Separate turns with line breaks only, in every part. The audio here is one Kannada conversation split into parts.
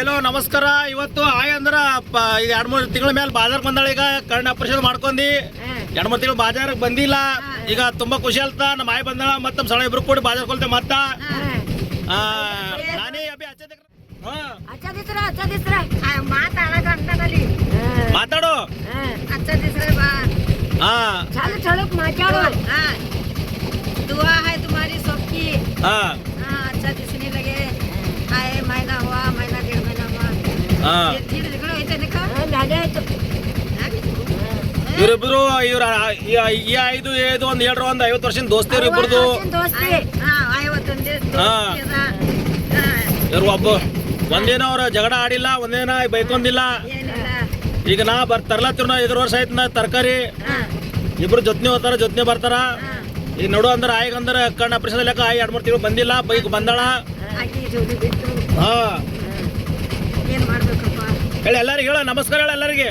ಹಲೋ ನಮಸ್ಕಾರ. ಇವತ್ತು ಆಯ್ ಅಂದ್ರ 2-3 ತಿಂಗಳ ಮೇಲೆ ಬಾಜಾರ್ಗೆ ಬಂದಾಳ. ಈಗ ಕಣ್ಣು ಆಪರೇಷನ್ ಮಾಡ್ಕೊಂಡಿ 2-3 ತಿಂಗಳು ಬಾಜಾರ್ಗೆ ಬಂದಿಲ್ಲ. ಈಗ ತುಂಬಾ ಖುಷಿ ಆಲ್ತ. ನಮ್ಮ ಆಯ್ ಬಂದಾಳ. ಮತ್ತೆ ನಮ್ಮ ಸಣ್ಣ ಇಬ್ರು ಕೂಡಿ ಬಾಜಾರ್ ಕೊಲ್ತೆ. ಮತ್ತ ನಾನೇ ಅಭಿ ಮಾತಾಡು.
दुआ है तुम्हारी सबकी. अच्छा दिखने लगे. आए महीना हुआ, महीना 1.5 महीना हुआ. धीरे दिखो ऐसे देखो.
ಇವರಿಬ್ರು ಈ 5 ಒಂದು 7 ಒಂದು 50 ವರ್ಷದ ದೋಸ್ತಿಯರು ಇಬ್ಬರದು. ಇವ್ರು ಒಂದೇನ ಅವ್ರ ಜಗಳ ಆಡಿಲ್ಲ, ಒಂದೇನ ಬೈಕೊಂದಿಲ್ಲ. ಈಗ ನಾ ತರ್ಲತ್ತಿರ 5 ವರ್ಷ ಆಯ್ತು. ನಾ ತರಕಾರಿ ಇಬ್ರು ಜೊತೆ ಹೋಗ್ತಾರ, ಜೊತೆ ಬರ್ತಾರ. ಈಗ ನೋಡು ಅಂದ್ರೆ ಆಯ್ಗ ಅಂದ್ರೆ ಕಣ್ಣು ಆಪರೇಷನ್ ಲೆಕ್ಕ 2-3 ತಿಂಗಳು ಬಂದಿಲ್ಲ. ಬೈಕ್ ಬಂದಾಳ. ಹೇಳಿ ಎಲ್ಲರಿಗೆ, ಹೇಳ ನಮಸ್ಕಾರ. ಹೇಳ ಎಲ್ಲರಿಗೆ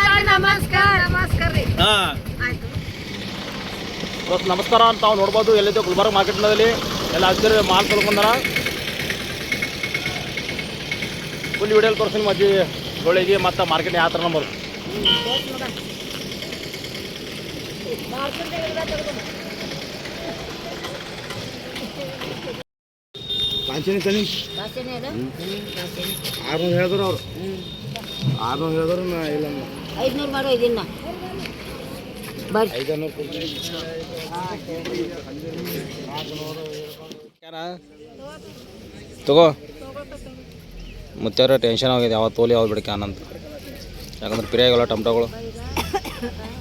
ನಮಸ್ಕಾರ ಅಂತ ತಾವು ನೋಡ್ಬೋದು. ಎಲ್ಲಿದೆ ಗುಲ್ಬರ್ಗ ಮಾರ್ಕೆಟ್ನಲ್ಲಿ ಎಲ್ಲ ಹತ್ತಿರ ಮಾಲ್ ತೊಳ್ಕೊಂಡಾರ. ಫುಲ್ ವಿಡಿಯೋಲಿ ತೋರಿಸ್ತೀನಿ ಮಜ್ಜಿ ಗೋಳಿಗೆ ಮತ್ತು ಮಾರ್ಕೆಟ್ ಯಾವ ಥರ ನಂಬರ್. ಕಾಂಚನಿ ತನಿ 600 ಹೇಳಿದ್ರು ಅವ್ರು. 600 ಹೇಳಿದ್ರು ನಾ ಇಲ್ಲ
500 ಮಾಡೋ ಇದನ್ನ ಬರ್ರಿ.
500 ತಗೋ. ಮುತ್ತಾರ ಟೆನ್ಷನ್ ಆಗಿದೆ. ಯಾವ ತೋಲಿ ಯಾವ್ದು ಬಿಡಕ್ಕೆ ಅನ್ನಂತ. ಯಾಕಂದ್ರೆ ಪಿರಿಯಾಗಲ್ಲ ಟೊಮ್ಟೊಗಳು.